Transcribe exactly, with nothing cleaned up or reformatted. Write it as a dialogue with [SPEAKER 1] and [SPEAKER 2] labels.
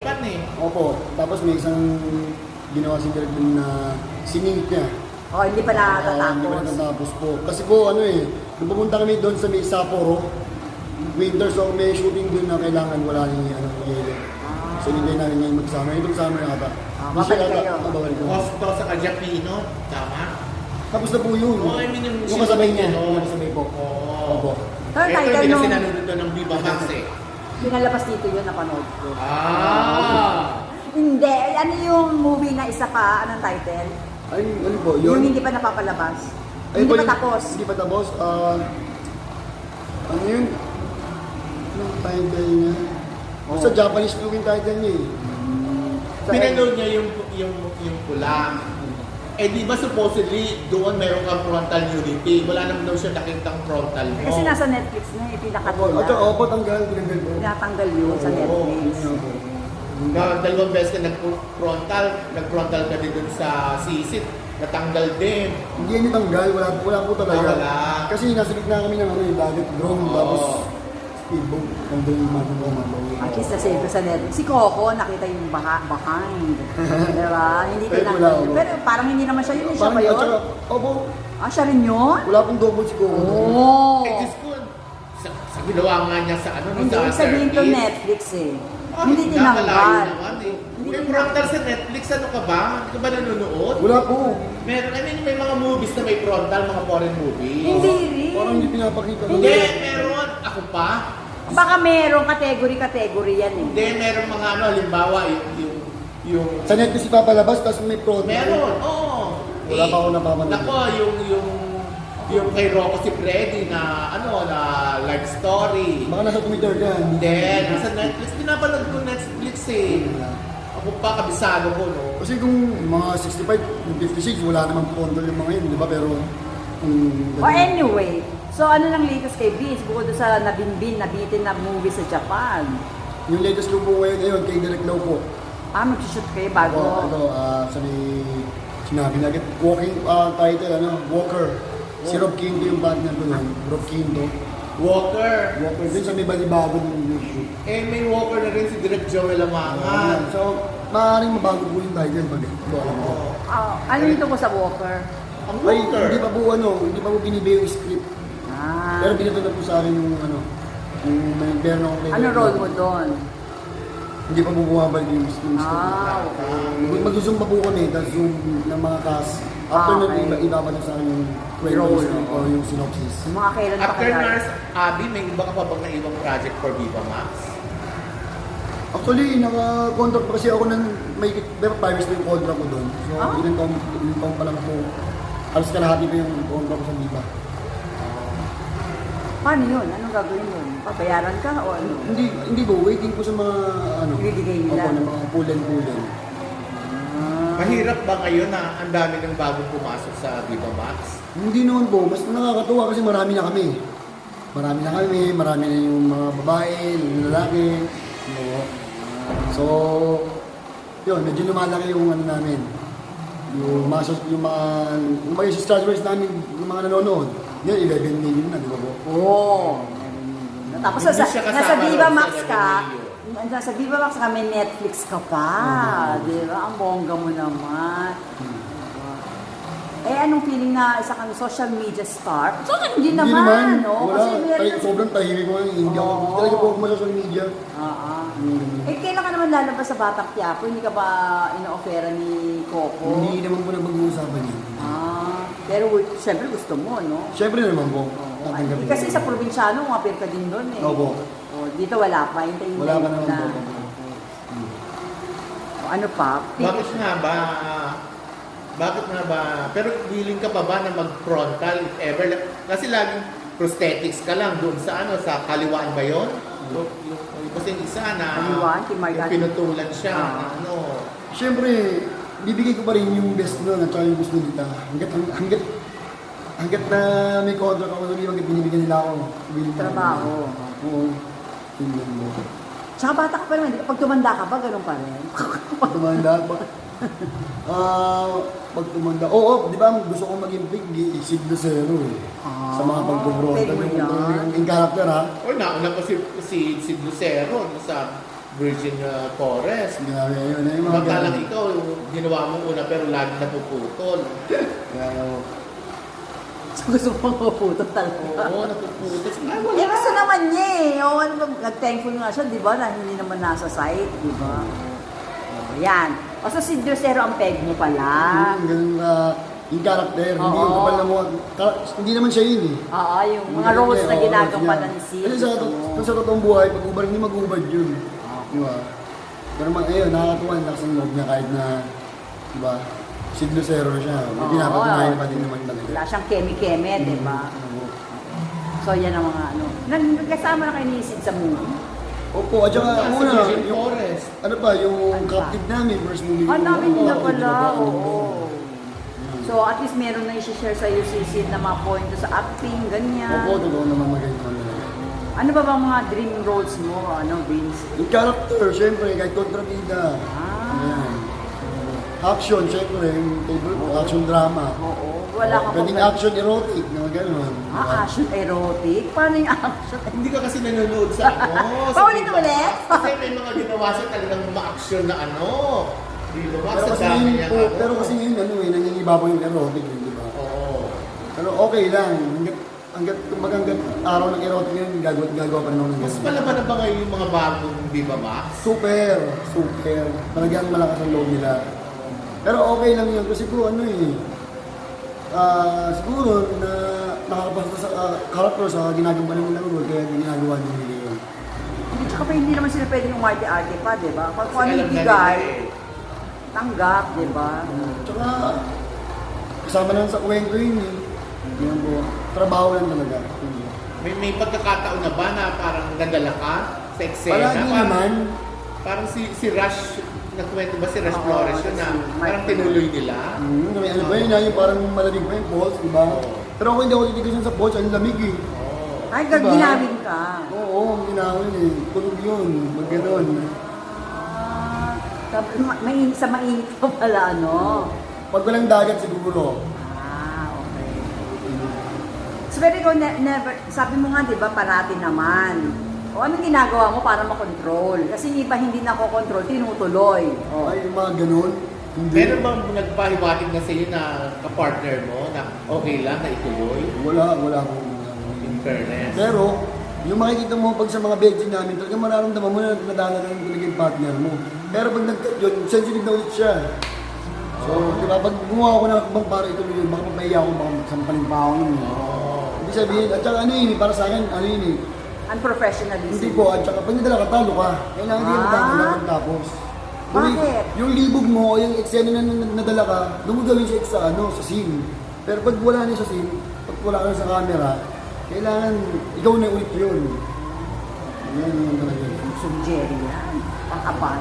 [SPEAKER 1] Japan eh.
[SPEAKER 2] Opo, tapos may isang ginawa si Direk dun na siningit niya.
[SPEAKER 3] Oh, hindi pa
[SPEAKER 2] Ah, hindi pa
[SPEAKER 3] nakatatapos.
[SPEAKER 2] natatapos po. Kasi po ano eh, nung pumunta kami doon sa may Sapporo, winter, so may shooting doon na kailangan wala yung ano, yelo. So hindi namin ngayon mag-summer. Itong summer yata.
[SPEAKER 3] Ah,
[SPEAKER 2] Hindi siya
[SPEAKER 3] babalik
[SPEAKER 2] yata-
[SPEAKER 3] kayo.
[SPEAKER 2] ah, babalik ko.
[SPEAKER 1] Costo sa Kajapino, tama?
[SPEAKER 2] Tapos na po yun.
[SPEAKER 1] Oo, I mean yung...
[SPEAKER 2] Yung kasabay niya.
[SPEAKER 1] Oo.
[SPEAKER 2] Yung kasabay po.
[SPEAKER 1] Oo.
[SPEAKER 2] Opo.
[SPEAKER 3] Pero
[SPEAKER 1] Ito
[SPEAKER 3] title
[SPEAKER 1] hindi kasi
[SPEAKER 3] nung-
[SPEAKER 1] nanonood doon ng Viva Max eh.
[SPEAKER 3] Pinalabas dito yun, napanood ko.
[SPEAKER 1] Ah!
[SPEAKER 3] Hindi, ano yung movie na isa pa, anong title?
[SPEAKER 2] Ay, ano po,
[SPEAKER 3] Yung
[SPEAKER 2] yun?
[SPEAKER 3] hindi pa napapalabas.
[SPEAKER 2] Ay,
[SPEAKER 3] hindi
[SPEAKER 2] po,
[SPEAKER 3] pa
[SPEAKER 2] yung-
[SPEAKER 3] tapos.
[SPEAKER 2] Hindi pa tapos. Ah, ano yun? Anong title niya?
[SPEAKER 3] Oh.
[SPEAKER 2] Sa Japanese po yung title niya eh. Sa-
[SPEAKER 1] Pinanood niya yung, yung, yung pula. Eh di ba supposedly doon meron kang frontal nudity? Wala naman daw siya nakitang frontal mo.
[SPEAKER 3] Kasi nasa Netflix na,
[SPEAKER 2] Opo,
[SPEAKER 3] ipinakatula.
[SPEAKER 2] ito, opo, tanggal, tinanggal po.
[SPEAKER 3] Tinatanggal yun sa
[SPEAKER 1] Oo.
[SPEAKER 3] Netflix.
[SPEAKER 2] Yun po.
[SPEAKER 1] Na, dalawang beses ka nag-frontal, nag-frontal ka din dun sa sisit, natanggal din.
[SPEAKER 2] Hindi yan itanggal, wala, wala po talaga.
[SPEAKER 1] Ah, wala.
[SPEAKER 2] Kasi nasa gitna kami ng ano, yung dagat, drone,
[SPEAKER 1] Oo.
[SPEAKER 2] tapos speedboat. Nandun yung mga mga
[SPEAKER 3] At least nasa ito sa Netflix. Si Coco, nakita yung baha, behind. Diba? Hindi
[SPEAKER 2] Pero
[SPEAKER 3] tinanggal.
[SPEAKER 2] wala, wala.
[SPEAKER 3] Pero parang hindi naman siya yun. Siya
[SPEAKER 2] Parang
[SPEAKER 3] ba yun?
[SPEAKER 2] at saka, opo,
[SPEAKER 3] Ah, siya rin yun?
[SPEAKER 2] wala pong double si Coco.
[SPEAKER 3] Oo.
[SPEAKER 1] Eh, Diyos ko, sa, sa ginawa nga niya sa ano, no,
[SPEAKER 3] Hindi,
[SPEAKER 1] sa
[SPEAKER 3] ibig sabihin to
[SPEAKER 1] thirties.
[SPEAKER 3] Netflix eh.
[SPEAKER 1] Ah,
[SPEAKER 3] Hindi
[SPEAKER 1] nakalayo
[SPEAKER 3] tinanggal.
[SPEAKER 1] naman eh.
[SPEAKER 3] Hindi
[SPEAKER 1] May
[SPEAKER 3] tinanggal.
[SPEAKER 1] frontal sa Netflix, ano ka ba? Hindi ka ba nanonood?
[SPEAKER 2] Wala po.
[SPEAKER 1] Meron, I mean, may mga movies na may frontal, mga foreign movies.
[SPEAKER 3] Hindi rin.
[SPEAKER 2] Parang hindi pinapakita.
[SPEAKER 1] Hindi, meron. Ako pa.
[SPEAKER 3] Baka merong category-category yan eh.
[SPEAKER 1] Hindi, meron mga ano, halimbawa, yung, yung, yung
[SPEAKER 2] Sa Netflix ipapalabas, tapos may pro.
[SPEAKER 1] meron, oo.
[SPEAKER 2] Wala pa ako napapanood.
[SPEAKER 1] Nako, yung, yung, yung kay Rocco si Freddy na, ano, na life story.
[SPEAKER 2] Baka nasa Twitter ka.
[SPEAKER 1] Hindi, nasa Netflix. Pinapanood ko Netflix eh. Ako pa, kabisado ko, no?
[SPEAKER 2] Kasi kung mga sixty-five, fifty-six, wala namang control yung mga yun, di ba? Pero, kung...
[SPEAKER 3] O anyway, so ano nang latest kay Vince bukod doon sa nabinbin, nabitin na movie sa Japan?
[SPEAKER 2] Yung latest ko po ngayon, ayun, kay Direk Lau po.
[SPEAKER 3] Ah, mag-shoot kayo bago?
[SPEAKER 2] Oh, ito, ah, sabi, sinabi na agad, walking ah, title, ano, Walker. Si Rob Quinto yung partner ko nun, Rob Quinto.
[SPEAKER 1] Walker.
[SPEAKER 2] Walker din sa may balibago ng issue.
[SPEAKER 1] Eh, may Walker na rin si Direk Joel Amangan.
[SPEAKER 2] So, maaaring mabago po yung title pag ito alam ko.
[SPEAKER 3] Ah, ano nito ko sa Walker?
[SPEAKER 1] Ang
[SPEAKER 2] Ay,
[SPEAKER 1] Walker.
[SPEAKER 2] hindi pa po ano, hindi pa po binibigay yung script.
[SPEAKER 3] Ah,
[SPEAKER 2] Pero binito na po sa akin yung ano, yung may meron akong kay
[SPEAKER 3] ano
[SPEAKER 2] Direk
[SPEAKER 3] role
[SPEAKER 2] Lau.
[SPEAKER 3] mo doon?
[SPEAKER 2] Hindi pa po bumabalik yung yung script.
[SPEAKER 3] Ah, okay.
[SPEAKER 2] Mag-zoom pa po kami, tapos zoom ng mga cast. After
[SPEAKER 3] Ah,
[SPEAKER 2] nun,
[SPEAKER 3] okay.
[SPEAKER 2] iba, iba pa na sa akin yung kwento
[SPEAKER 3] Role.
[SPEAKER 2] o yung synopsis.
[SPEAKER 3] Yung mga kailan pa
[SPEAKER 1] After
[SPEAKER 3] kaya?
[SPEAKER 1] Nurse Abby, may iba ka pa bang na ibang project for Viva Max?
[SPEAKER 2] Actually, naka-contract pa kasi ako ng may pero five years na yung contract ko doon. So,
[SPEAKER 3] Ah?
[SPEAKER 2] ilang taon, ilang taon pa lang po. Alas kalahati pa yung contract ko sa Viva.
[SPEAKER 3] Paano yun? Anong gagawin yun? Papayaran ka o ano?
[SPEAKER 2] Hindi, hindi po. Waiting po sa mga, ano,
[SPEAKER 3] Ibibigay nila.
[SPEAKER 2] Opo, ng mga pulen-pulen.
[SPEAKER 3] Ah,
[SPEAKER 1] Mahirap ba ngayon na ang dami ng bagong pumasok sa Viva Max?
[SPEAKER 2] Hindi naman po. Mas nakakatuwa kasi marami na kami. Marami na kami. Marami na yung mga babae, yung lalaki. No? So, yun, medyo lumalaki yung ano namin. Yung mga, sus- yung mga, yung mga subscribers namin, yung mga nanonood. Yun, eleven million na, di ba po?
[SPEAKER 3] Oo. Tapos
[SPEAKER 1] Hindi
[SPEAKER 3] nasa,
[SPEAKER 1] siya kasama
[SPEAKER 3] nasa Viva
[SPEAKER 1] doon sa
[SPEAKER 3] Max ka,
[SPEAKER 1] eleven
[SPEAKER 3] nasa Viva Max ka, may Netflix ka pa. Di ba? Ang bongga mo naman. Eh, anong feeling na isa kang social media star? So, hindi naman, no?
[SPEAKER 2] Wala,
[SPEAKER 3] Kasi meron...
[SPEAKER 2] tay- sobrang tahimik ko. Hindi ako,
[SPEAKER 3] Oo.
[SPEAKER 2] talaga po ako sa social media.
[SPEAKER 3] Oo.
[SPEAKER 2] Hmm.
[SPEAKER 3] Eh, kailan ka naman lalabas sa Batang Quiapo? Hindi ka ba ina-offera ni Coco?
[SPEAKER 2] Hindi naman po na pag-uusapan yun.
[SPEAKER 3] Ah, pero siyempre gusto mo, no?
[SPEAKER 2] Siyempre naman po.
[SPEAKER 3] Oo.
[SPEAKER 2] tatanggapin
[SPEAKER 3] Eh, kasi
[SPEAKER 2] ko.
[SPEAKER 3] sa probinsyano, umapir ka din doon eh.
[SPEAKER 2] Opo.
[SPEAKER 3] Oh, dito wala pa. Hintayin
[SPEAKER 2] Wala
[SPEAKER 3] mo
[SPEAKER 2] ka naman
[SPEAKER 3] na.
[SPEAKER 2] po. Hmm.
[SPEAKER 3] O, ano pa?
[SPEAKER 1] Bakit nga ba? Bakit nga ba? Pero willing ka pa ba na mag-frontal if ever? Kasi laging prosthetics ka lang doon sa ano, sa kaliwaan ba yun? Yung, yung, yung kasi yung isa na
[SPEAKER 3] Kaliwaan, kay Mark
[SPEAKER 1] yung
[SPEAKER 3] Anthony.
[SPEAKER 1] pinutulan siya.
[SPEAKER 3] Ah.
[SPEAKER 1] na ano.
[SPEAKER 2] Siyempre, bibigay ko pa rin yung best doon at saka yung gusto nila. Hanggat, hanggat, hanggat na may contract ako, hanggat binibigyan nila ako. willing na ako.
[SPEAKER 3] Trabaho.
[SPEAKER 2] Oo. Hindi mo.
[SPEAKER 3] Tsaka bata ka pa naman. di ba? Pag tumanda ka ba, ganun pa rin?
[SPEAKER 2] Pag tumanda, ba? Ah, pag tumanda. Oo, di ba gusto ko maging big, isig na zero eh.
[SPEAKER 3] Ah,
[SPEAKER 2] Sa mga pagbubrota.
[SPEAKER 3] pwede mo
[SPEAKER 2] Yung,
[SPEAKER 3] yan.
[SPEAKER 2] yung, yung character ha.
[SPEAKER 1] O nauna pa si, si, si Lucero no, sa Virgin uh, Forest.
[SPEAKER 2] Grabe, yun na yung mga
[SPEAKER 1] Magkalang
[SPEAKER 2] ganun.
[SPEAKER 1] ikaw, ginawa mo una pero lagi napuputol.
[SPEAKER 2] Kaya,
[SPEAKER 3] So, gusto mo maputo talaga.
[SPEAKER 1] Oo, napuputol. Ay,
[SPEAKER 3] Eh,
[SPEAKER 1] wala.
[SPEAKER 3] gusto naman niya eh. O, ano ba, nag-thankful nga siya, di ba, na hindi naman nasa site, di ba? O, yan. O, so si Diosero ang peg mo pala.
[SPEAKER 2] yung ganun na, yung character, hindi yung
[SPEAKER 3] Oo.
[SPEAKER 2] kapal na mukha. Ka- Hindi naman siya yun eh.
[SPEAKER 3] Oo, yung mga roles na ginagampanan ni Sid.
[SPEAKER 2] Kasi sa,
[SPEAKER 3] gusto mo.
[SPEAKER 2] kung sa totoong buhay, pag ubad, hindi mag-ubad yun. Di ba? Pero mag, ayun, nakakatuwa ang lakas ng loob niya kahit na, di ba, Sid Lucero siya. May
[SPEAKER 3] Oo,
[SPEAKER 2] pinapatunayan
[SPEAKER 3] oo.
[SPEAKER 2] pa din naman talaga.
[SPEAKER 3] Wala siyang keme-keme, di ba?
[SPEAKER 2] Oo.
[SPEAKER 3] So, yan ang mga ano. Nagkasama na kayo ni Sid sa movie.
[SPEAKER 2] Opo, at saka
[SPEAKER 1] Sa
[SPEAKER 2] una,
[SPEAKER 1] Virgin
[SPEAKER 2] yung,
[SPEAKER 1] Forest.
[SPEAKER 2] ano pa, yung
[SPEAKER 3] Ano pa?
[SPEAKER 2] captive namin, first movie
[SPEAKER 3] Ah, dami
[SPEAKER 2] Oo,
[SPEAKER 3] nila
[SPEAKER 2] oo,
[SPEAKER 3] pala.
[SPEAKER 2] di ba?
[SPEAKER 3] Oo. So, at least meron na i-share sa iyo si Sid na mga point sa acting, ganyan.
[SPEAKER 2] Opo, totoo naman magaling naman talaga.
[SPEAKER 3] Ano ba bang mga dream roles mo, ano, Vince?
[SPEAKER 2] Yung character, syempre, kahit kontrabida.
[SPEAKER 3] Ah.
[SPEAKER 2] Ayan. Action, syempre, yung favorite ko, action drama.
[SPEAKER 3] Oo. Wala ka
[SPEAKER 2] Pwedeng
[SPEAKER 3] pa-
[SPEAKER 2] action erotic, na gano'n.
[SPEAKER 3] Ah, action erotic? Paano yung action?
[SPEAKER 1] Hindi ka kasi nanonood sa ano. sa
[SPEAKER 3] Paulit
[SPEAKER 1] Viva
[SPEAKER 3] ulit?
[SPEAKER 1] Max. Kasi may mga ginawa siya talagang ma-action na ano. Viva Max,
[SPEAKER 2] Pero
[SPEAKER 1] sa
[SPEAKER 2] kasi
[SPEAKER 1] dami
[SPEAKER 2] ngayon
[SPEAKER 1] niya.
[SPEAKER 2] po,
[SPEAKER 1] ano.
[SPEAKER 2] pero kasi ngayon, ano eh, nangingibabaw yung erotic, eh, di ba?
[SPEAKER 1] Oo.
[SPEAKER 2] Pero okay lang, hanggat, hanggat, kumbaga hanggat araw ng erotic yun, gagawa, gagawa pa rin ako ng
[SPEAKER 1] Mas
[SPEAKER 2] ganun.
[SPEAKER 1] palaban na ba ngayon yung mga bagong Viva Max?
[SPEAKER 2] Super, super. Talagang malakas ang loob nila. Pero okay lang yun kasi po ano eh, ah siguro na nakakapasa sa uh, character sa ginagawa nila role kaya ginagawa nila yun.
[SPEAKER 3] Hindi, tsaka pa hindi naman sila pwedeng umarte-arte pa, di ba? Pag kung ano
[SPEAKER 1] Kasi
[SPEAKER 3] yung
[SPEAKER 1] alam na
[SPEAKER 3] bigay,
[SPEAKER 1] nila eh.
[SPEAKER 3] tanggap, di ba?
[SPEAKER 2] Tsaka kasama lang sa kwento yun eh. Yan po, trabaho lang talaga.
[SPEAKER 1] May, may pagkakataon na ba na parang nadala ka sa eksena?
[SPEAKER 2] Palagi
[SPEAKER 1] Parang-
[SPEAKER 2] naman,
[SPEAKER 1] Parang si si Rush, nagkwento ba si Rush
[SPEAKER 3] Oo,
[SPEAKER 1] Flores yun
[SPEAKER 3] si
[SPEAKER 1] na
[SPEAKER 3] Mike
[SPEAKER 1] parang tinuloy nila?
[SPEAKER 2] hmm, may ano ba yun, yung parang malamig pa yung balls, di ba?
[SPEAKER 1] Oo.
[SPEAKER 2] Pero ako hindi ako titigasan sa balls, ang lamig eh.
[SPEAKER 1] Oo.
[SPEAKER 3] Ay,
[SPEAKER 2] Diba?
[SPEAKER 3] ginamit ka.
[SPEAKER 2] Oo, ang ginawin eh. Tulog yun, mag ganon.
[SPEAKER 3] Ah, tap- ma- main, sa mainit pa pala, ano?
[SPEAKER 2] Pag walang dagat siguro.
[SPEAKER 3] Ah, okay. So, pero ikaw, ne- never, sabi mo nga, di ba, parati naman. O anong ginagawa mo para makontrol? Kasi yung iba hindi nakokontrol, tinutuloy. O.
[SPEAKER 2] Ay, yung mga ganon. Hindi.
[SPEAKER 1] Meron bang nagpahiwatig na sa'yo na kapartner mo na okay lang na ituloy?
[SPEAKER 2] Wala, wala akong
[SPEAKER 1] In fairness.
[SPEAKER 2] Pero, yung makikita mo pag sa mga bedsin namin, talagang mararamdaman mo na nadala na rin talaga yung partner mo. Pero pag nag-cut yun, sensitive na ulit siya. So, di ba, pag gumawa ako ng akbang para ituloy yun, baka mapahiya ako, baka sampaling pa ako yun. eh.
[SPEAKER 1] Oo.
[SPEAKER 2] Ibig sabihin, at saka ano yun, eh, para sa akin, ano yun eh,
[SPEAKER 3] Unprofessionalism.
[SPEAKER 2] hindi po, at saka pag nadala ka, talo ka. Kailangan hindi
[SPEAKER 3] Ah.
[SPEAKER 2] mo talo na tapos. Yung,
[SPEAKER 3] Bakit?
[SPEAKER 2] yung libog mo, yung eksena na na- nadala ka, doon mo gawin siya sa, ano, sa scene. Pero pag wala na sa scene, pag wala ka na sa camera, kailangan ikaw na ulit yun. Yan, yan talaga.
[SPEAKER 3] Sum Jerry yan. Ang kapal.